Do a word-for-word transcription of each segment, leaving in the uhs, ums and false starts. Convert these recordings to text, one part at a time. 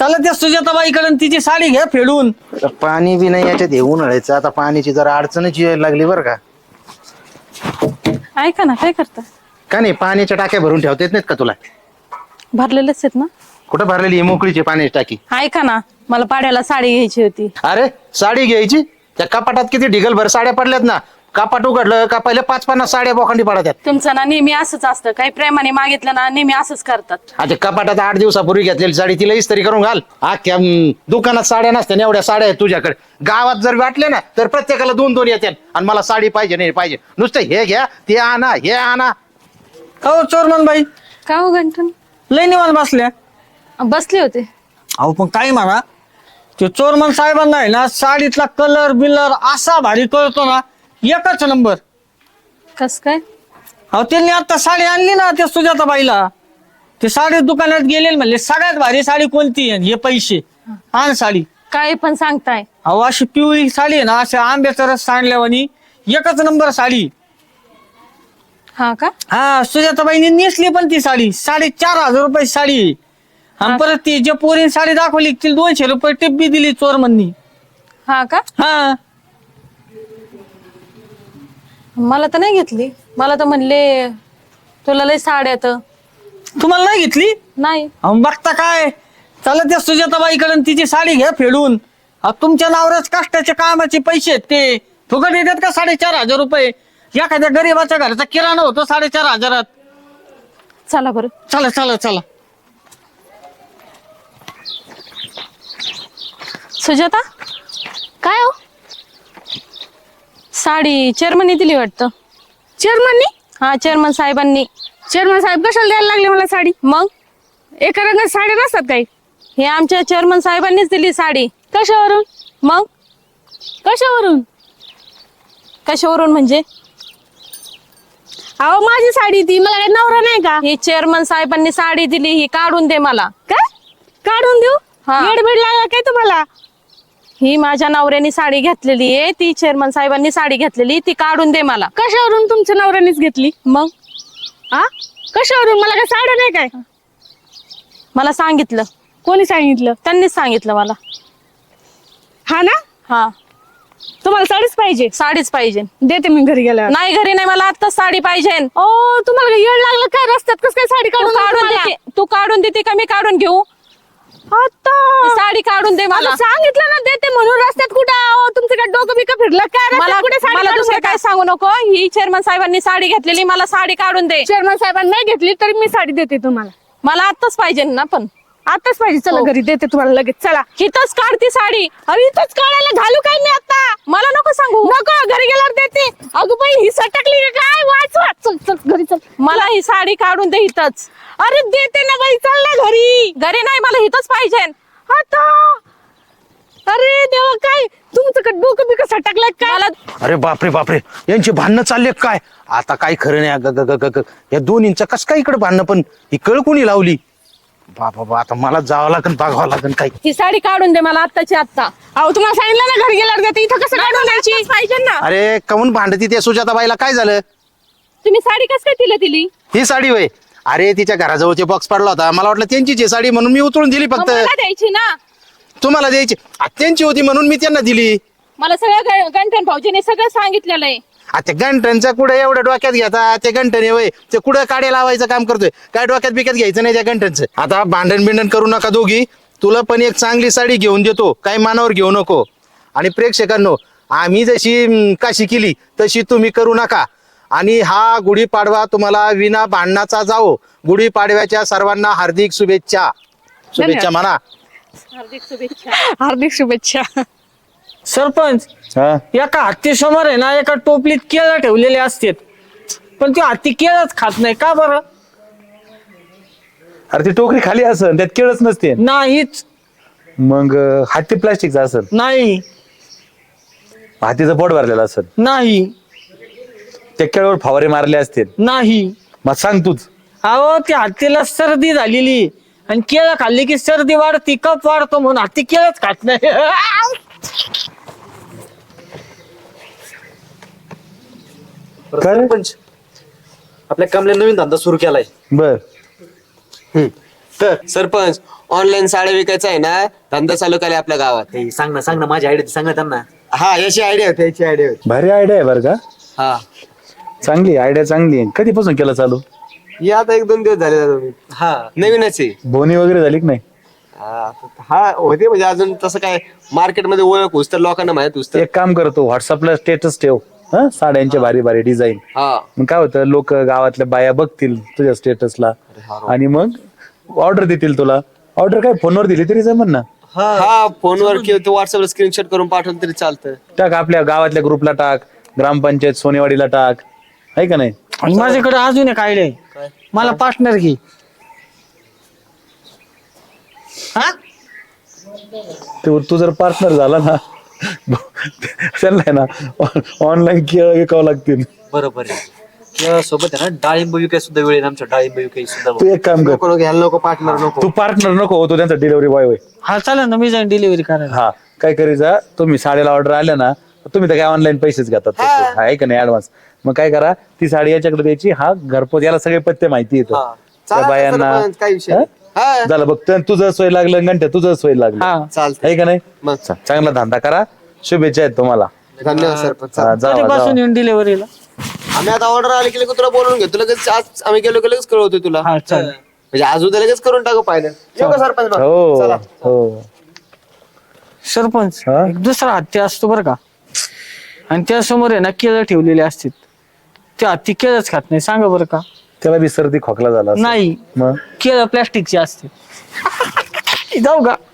चला त्या सुजाताबाईकडे तिची साडी घ्या फेडून. पाणी बी नाही याच्यात येऊन उन्हाळ्याचं आता पाण्याची जरा अडचणच यायला लागली बरं का. ऐका ना, काय करता? का नाही पाण्याच्या टाक्या भरून ठेवता येत नाहीत का तुला? भरलेलेच आहेत ना. कुठं भरलेली आहे मोकळीची पाण्याची टाकी? ऐका ना, मला पाड्याला साडी घ्यायची होती. अरे साडी घ्यायची? त्या कपाटात किती ढिगल भर साड्या पडल्यात ना. कपाट उघडलं का पहिले पाच पन्नास साड्या बोखंडी पडतात. तुमचं ना नेहमी असंच असतं, काही प्रेमाने मागितलं ना नेहमी असंच करतात. आता कपाटात आठ दिवसापूर्वी घेतलेली साडी तिला इस्त्री करून घाल. अख्ख्या अं, दुकानात साड्या नसत्या ना एवढ्या साड्या आहेत तुझ्याकडे. गावात जर वाटले ना तर प्रत्येकाला दोन दोन येतात आणि मला साडी पाहिजे नाही पाहिजे नुसतं हे घ्या ते आणा हे आणा. हो चोरमन बाई का हो गंठन? लय निवांत बसल्या. बसले होते. अहो पण काय म्हणा, ते चोरमन साहेबांना आहे ना साडीतला कलर बिलर असा भारी कळतो ना, एकच नंबर. कस काय? अहो त्यांनी आता साडी आणली ना त्या सुजाताबाईला, ते साडी दुकानात गेले म्हणले सगळ्यात भारी साडी कोणती आहे? हे पैसे आण साडी. काय पण सांगताय? अहो अशी पिवळी साडी आहे ना, अशा आंब्याचा रस सांडल्यावानी एकच नंबर साडी. हा का? हा सुजाताबाईंनी नेसली पण ती साडी, साडे चार हजार रुपये साडी. आणि परत ती जे पोरीने साडी दाखवली तिला दोनशे रुपये टिप बी दिली चोरमननी. हा का? हा मला तर नाही घेतली. मला तर म्हणले तुला लय साड्या तर. तुम्हाला नाही घेतली? नाही. अहो बघता काय, चला त्या सुजाताबाईकडे तिची साडी घ्या फेडून. अहो, तुमच्या नावरच कष्टाच्या कामाचे पैसे आहेत ते. फुकट येतात का साडेचार हजार रुपये? एखाद्या गरीबाच्या घराचा किराणा होतो साडेचार हजारात. चला बरं. चला चला चला. सुजाता काय हो? साडी चेअरमननी दिली वाटतं. चेअरमननी? हा चेअरमन साहेबांनी. चेअरमन साहेब कशाला द्यायला लागले मला साडी? मग एका रंगात साड्या नसतात काही? हे आमच्या चेअरमन साहेबांनीच दिली साडी. कशावरून? मग कशावरून? कशावरून म्हणजे? अहो माझी साडी ती, मला काही नवरा नाही का? ही चेअरमन साहेबांनी साडी दिली, ही काढून दे मला. काय काढून देऊ? हा. येडबीड लागला काय तुम्हाला? ही माझ्या नवऱ्याने साडी घेतलेली आहे, ती चेअरमन साहेबांनी साडी घेतलेली, ती काढून दे मला. कशावरून तुमच्या नवऱ्यानेच घेतली? मग हा कशावरून? मला काय साड्या नाही काय? मला सांगितलं. कोणी सांगितलं? त्यांनीच सांगितलं मला. हा ना? हा तुम्हाला साडीच पाहिजे? साडीच पाहिजे. देते मी घरी गेल्यावर. नाही घरी नाही, मला आत्ताच साडी पाहिजे. ओ तुम्हाला काय येड लागलं काय? रस्त्यात कस काय साडी तू काढून काढून देऊ देते, तू काढून देते का मी काढून घेऊ? तुम्हाला? ती आता साडी काढून दे मला. मला सांगितलं ना देते म्हणून. रस्त्यात कुठं? अहो, तुमचं काय डोकं बिकं फिरलं काय? मला रस्त्यात कुठे साडी मला काढून दुसरं देता? काय सांगू नको. ही चेअरमन साहेबांनी साडी घेतलेली, मला साडी काढून दे. चेअरमन साहेबांनी नाही घेतली तरी मी साडी देते तुम्हाला. मला आत्ताच पाहिजे ना. पण आताच पाहिजे. चला हो. घरी देते तुम्हाला लगेच. चला. हिथंच काढ ती साडी. अरे इथंच काढायला घालू काय मी आता? मला नको सांगू. नको, घरी गेल्यावर देते. अगं बाई ही सटकली का काय? वाच वाच. चल चल घरी चल. मला ही साडी काढून दे हिथंच. अरे देते ना बाई, चल ना घरी. घरी नाही, मला हिथंच पाहिजे. आता अरे देवा, काय तुमचं का डोकं बिकं सटकलं काय? मला अरे बापरे बापरे यांची भांडणं चालले काय? आता काय खरं नाही. ग ग ग ग या दोन्हींचं कस काय इकडे भांडणं? पण ही कळ कोणी लावली? बाबा बा आता मला जावं लागेल बघावं लागेल काय. ही साडी काढून दे मला आत्ताची आत्ता. अहो तुम्हाला सांगितलं ना घरी गेल्यावर देते. इथं कसं काढून द्यायची? पाहिजे ना. अरे कमून भांडती त्या सुजाताबाईला? काय झालं? तुम्ही साडी कस काय तिला दिली? ही साडी वय? अरे तिच्या घराजवळचे बॉक्स पडला होता, मला वाटलं त्यांचीच आहे साडी म्हणून मी उतरून दिली मग फक्त. मला द्यायची ना. तुम्हाला द्यायची? आ, त्यांची होती म्हणून मी त्यांना दिली. मला सगळं गंठन भाऊजीने सगळं सांगितलेलं आहे. आता गंठनचा कुठे एवढं डोक्यात घ्यायचा? ते गंठन वय ते कुठं काड्या लावायचं काम करतोय काय? डोक्यात बिक्यात घ्यायचं नाही त्या गंठनचं. आता भांडण बिंडण करू नका दोघी. तुला पण एक चांगली साडी घेऊन देतो, काही मानावर घेऊ नको. आणि प्रेक्षकांनो, आम्ही जशी अं, काशी केली तशी तुम्ही करू नका. आणि हा गुढीपाडवा तुम्हाला विना भांडणाचा जाओ. गुढीपाडव्याच्या सर्वांना हार्दिक शुभेच्छा. शुभेच्छा म्हणा. हार्दिक शुभेच्छा. हार्दिक शुभेच्छा. सरपंच, एका हत्ती समोर आहे ना एका टोपलीत केळं ठेवलेले असतात, पण ती हत्ती केळच खात नाही का बरं? अरे ती टोकरी खाली असेल, त्यात केळच नसते. नाहीच. मग हाती प्लास्टिकचा असेल. नाही हातीचं पोट भरलेलं असेल. नाही त्या केळवर फवारे मारले असतील. नाही. मग सांग तूच. अहो त्या हत्तीला सर्दी झालेली आणि केळं खाल्ली की सर्दी वाढती, कप वाढतो म्हणून हत्ती केळच खात नाही. काय रे? सरपंच, आपल्या कमल्या नवीन धंदा सुरू केलाय. बर. तर सरपंच, ऑनलाईन साड्या विकायचा आहे ना धंदा चालू केलाय आपल्या गावात. ते सांग ना सांग ना माझी आयडिया सांग ना त्यांना. हा याची आयडिया होती याची आयडिया होती. भारी आयडिया आहे बरं का. हा चांगली आयडिया चांगली आहे. कधीपासून केलं चालू. ही आता एक दोन दिवस झाले दादा मी. हा नवीनच आहे. बोनी वगैरे झाली की नाही. हा हा, होते म्हणजे अजून तसं काय मार्केटमध्ये ओळख होस तर लोकांना माहित होस तर. एक काम करतो व्हॉट्सअपला स्टेटस ठेव हा साड्यांचे भारी भारी डिझाईन. हा मग काय होतं लोक गावातल्या बाया बघतील तुझ्या स्टेटसला आणि मग ऑर्डर देतील तुला. ऑर्डर काय फोनवर दिली तरी जमन ना. हा फोनवर किंवा व्हॉट्सअपला स्क्रीनशॉट करून पाठवलं तरी चालतं. टाक आपल्या गावातल्या ग्रुपला टाक. ग्रामपंचायत सोनेवाडीला टाक आहे का नाही. आणि माझ्याकडे अजून एक आयडिया आहे. मला पार्टनर घे. हा ते तू जर पार्टनर झाला ना त्यांना आहे ना ऑनलाईन केळ विकावं लागतील. बरोबर आहे. त्या सोबत आहे ना डाळिंब विकाय सुद्धा वेळ आमच्या डाळिंब विकाय सुद्धा. तू एक काम कर नको नको घ्यायला नको पार्टनर नको. तू पार्टनर नको हो. तू त्यांचा डिलिव्हरी बॉय होय. हा चालेल ना मी जाईन डिलिव्हरी करायला. हा काय करायचा तुम्ही साडीला ऑर्डर आल्या ना तुम्ही तर काय ऑनलाईन पैसेच घेतात त्याचे. आहे का नाही ऍडव्हान्स. मग काय करा ती साडी याच्याकडे द्यायची. हा घरपोच याला सगळे पत्ते माहिती येतो त्या चालेल बायांना. सरपंच, काही विषय हा? नाही. हा झालं बघ तर तुझं सोय लागलं घंट्या तुझं सोय लागलं. हा चालतंय. आहे का नाही. मग चा- चांगला धंदा करा. शुभेच्छा आहेत तुम्हाला. धन्यवाद सरपंच. हा, जावा, कधीपासून जावा. येऊन डिलिव्हरीला. आम्ही आता ऑर्डर आली की लगेच तुला बोलवून घेतो. लगेच आज आम्ही गेलो की लगेच कळवतो तुला. हा चालेल. म्हणजे आज उद्या लगेच करून टाकू पाहिजे. येऊ का सरपंच मग? हो चला. हो सरपंच हा? एक दुसरा हत्ती असतो बरं का. आणि त्या समोर आहे ना केळं ठेवलेले असतात. त्या हत्ती केळच खात नाही. सांगा बरं का. त्याला बी सर्दी खोकला झाला असेल. नाही मग केळं प्लॅस्टिकचे असते. जाऊ का.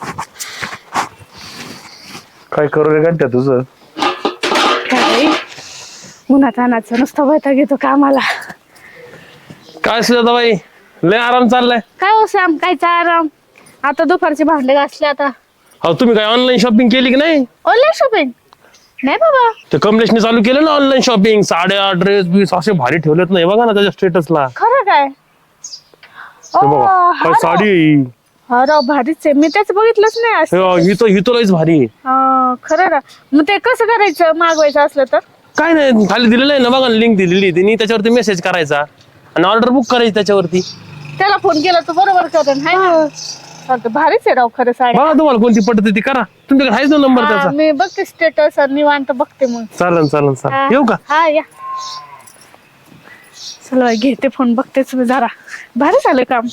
काय करू रे घंट्या तुझं. काय उन्हात अनाचं नुसतं बैठा घेतो कामाला. काय सुजाताबाई लय आराम चाललाय. काय हो सॅम काय आराम. आता दुपारचे भांडे घासले. आता अहो तुम्ही काय ऑनलाईन शॉपिंग केली की नाही. ऑनलाईन शॉपिंग नाही बाबा. ते कमलेशने चालू केलं ना ऑनलाईन शॉपिंग. साड्या ड्रेस बीस असे भारी ठेवलेत नाही बघा ना त्याच्या स्टेटसला. खरं काय. ओ, बघा हा काय राव. साडी आहे. हा राव भारीच आहे. मी त्याच बघितलंच नाही आज. हे, ही तो ही तो लयच भारी आहे. हा, खरं ना. मग ते कसं करायचं मागवायचं असलं तर. काय नाही खाली दिलेलं आहे ना बघा लिंक दिलेली आहे त्यांनी. त्याच्यावरती मेसेज करायचा आणि ऑर्डर बुक करायची त्याच्यावरती. त्याला फोन केला तर बरोबर करेन हाय ना. चालतं. भारीच आहे राव खरं साडी. बघा तुम्हाला कोणती पटते ती करा. तुमच्याकडे आहेच ना नंबर हा, त्याचा. मी बघते स्टेटस आणि निवांत बघते मग. चालन चालन हा. चालेल येऊ का. हा या. चला घेते फोन बघतेच मी जरा. भारी झालं काम.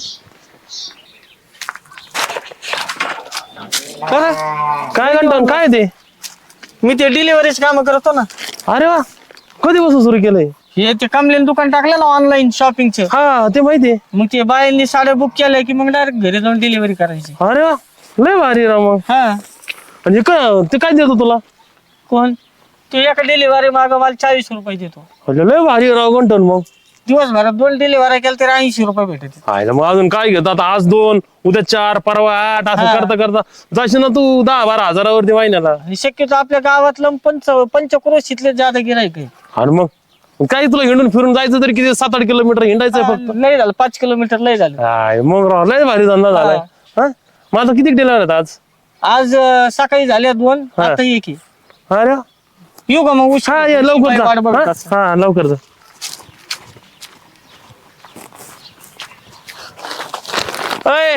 खरं काय घंटा काय ते. मी ते डिलिव्हरीच काम करतो ना. अरे वा कधीपासून सुरू केलंय. हे ते कमलेन दुकान टाकलं ना ऑनलाईन शॉपिंगचे. हा ते माहितीये. मग ते बायांनी साड्या बुक केल्या की मग डायरेक्ट घरी जाऊन डिलिव्हरी करायची. अरे वा लय भारी राव मग. हा आणि काय ते काय देतो तुला. कोण तू एका डिलिव्हरी माग मला चाळीस रुपये देतो. म्हणजे लय भारी राव घंटन मग. दिवसभरात दोन डिलिव्हरी केल्या तरी ऐंशी रुपये भेटते. आहे ना मग अजून काय घेतो आता. आज दोन उद्या चार परवा आठ असं हा. करता करता जाशील ना तू दहा बारा हजारावरती महिन्याला. आणि शक्यतो आपल्या गावातलं पंच पंचक्रोशीतले जादा गिराईक आहे. आणि मग काय तुला हिंडून फिरून जायचं तरी किती सात आठ किलोमीटर हिंडायचंय फक्त. लय झालं पाच किलोमीटर लय झालं. काय मग राव लय भारी धंदा झालाय. हा माझा किती डिलिव्हर आहेत आज. आज अं, सकाळी झाल्या दोन हा. आता एक आहे. अरे येऊ का मग हा उशिरा? ये लवकर बाई जा. वाट बघत हा? असेल. हा लवकर जा. अय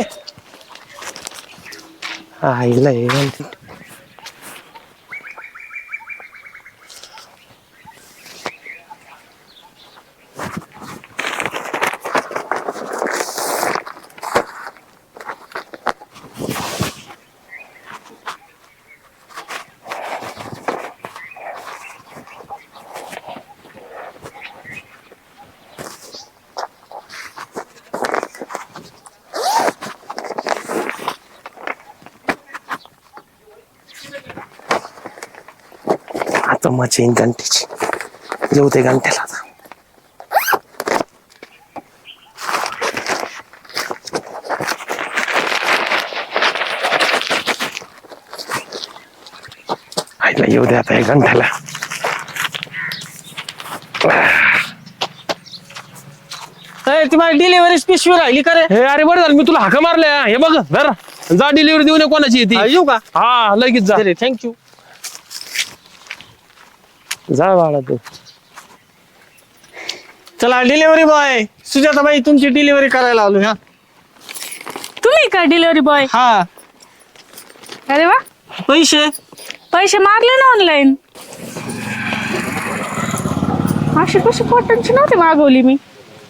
आईला हे घालते. आता मजा येईन घंटेची. येऊ दे घंट्याला आता. आईला येऊ दे आता या घंट्याला. ए, ती माझी डिलिव्हरी पिशवी राहिली का रे? हे अरे बरं झालं मी तुला हाका मारल्या. हे बघ जरा जा डिलिव्हरी देऊ नये कोणाची ती. हा, येऊ का? हा लगेच जा. थँक्यू. जा बाळा तू. चला डिलिव्हरी बॉय सुजाताबाई तुमची डिलिव्हरी करायला आलो. हा तुम्ही तुम्ही का डिलिव्हरी बॉय? हा. अरे वा, पैसे पैसे मारले ना ऑनलाईन. अशी कशी कॉटनची नव्हती मागवली मी.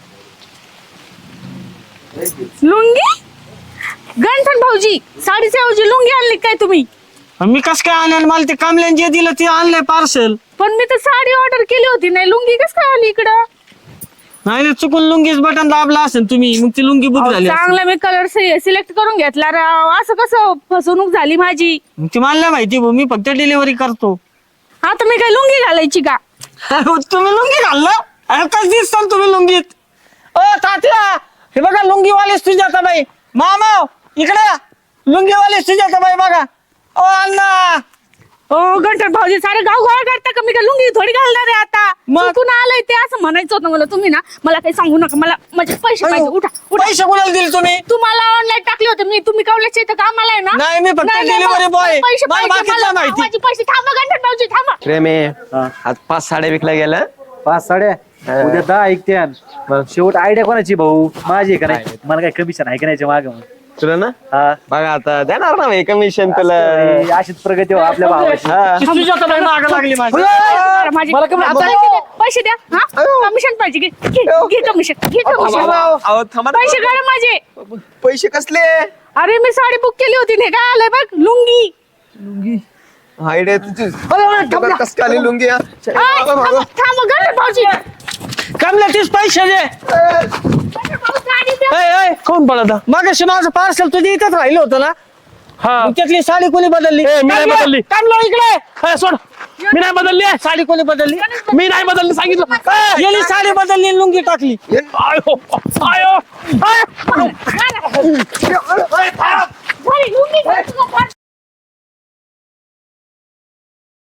लुंगी? गणपत भाऊजी, साडीच्या ऐवजी लुंगी आणली काय तुम्ही? मी कस काय आणलं? मला ते कमल्यान जे दिलं ते आणलंय पार्सल. पण मी तर साडी ऑर्डर केली होती, नाही लुंगी कस काय आली इकडं? नाही नाही, चुकून लुंगीच बटन दाबला असेल तुम्ही, मग ती लुंगी बुक झाली असेल. चांगला मी कलर सिलेक्ट करून घेतला राव, असं कसं फसवणूक झाली माझी. मग ती मला नाही माहिती भाऊ, मी फक्त डिलिव्हरी करतो. आता मी काय लुंगी घालायची का? तुम्ही लुंगी घाललं? कस दिसताल तुम्ही लुंगीत? ओ तात्या, हे बघा लुंगीवाले सुजाताबाई. मामा इकडे या. लुंगीवाले सुजाताबाई बघा. ओ अण्णा. ओ गंठन भाऊजी, सारे गाव गोळा करता का? मी काय लुंगी थोडी घालणार आहे आता. मग? चुकून आलंय ते असं म्हणायचं होतं मला. तुम्ही ना मला काही सांगू नका, मला माझे पैसे पाहिजे. उठा उठा. पैसे कोणाला दिले तुम्ही? तुम्हाला ऑनलाईन टाकले होते मी. तुम्ही कवल्याच्या इथं कामाला आहे ना? नाही, मी फक्त नाही, नाही, delivery मला- boy. मला पैसे मला पाहिजे, बाकीचं मला माहिती. माझे पैसे. थांबा गंठन भाऊजी, थांबा. प्रेमे आज पाच साड्या विकल्या गेल्या. पाच साड्या उद्या दहा ऐकते शेवट आयडिया कोणाची भाऊ? माझी आहे का नाही? मला काय कमिशन आहे का नाही माग? तुला ना हा बघा आता देणार ना भाई कमिशन तुला. अशीच प्रगती हो आपल्या भावाची. हा. ती सुजाताबाई मागं लागली माझी. जरा माझे मला कमी- पैसे द्या, पैसे द्या. हा कमिशन पाहिजे. घे घे घे कमिशन, घे कमिशन. अहो, थांबा ना. पैसे काढा माझे. पैसे कसले? अरे मी साडी बुक केली होती, नाही काय आलंय बघ लुंगी. आयडिया तुझी कस काय आली लुंगी? हा? आय, थांबा थांबा गंठन भाऊजी. कमल्या तीच पैसे दे. भाऊ, साडी द्या. ए, ए, कोण पळता? मगाशी माझं पार्सल तुझ्या इथंच राहिलं होतं ना? हा मग त्यातली साडी कोणी बदलली? ए, मी नाही कमल्या, बदलली. कमल्या इकडे. ए, सोड, मी नाही बदलली आहे. साडी कोणी बदलली? मी नाही बदलली सांगितलं. ए, गेली साडी बदलली आणि लुंगी टाकली. आयो आयो आय. साडी लुंगी घाल.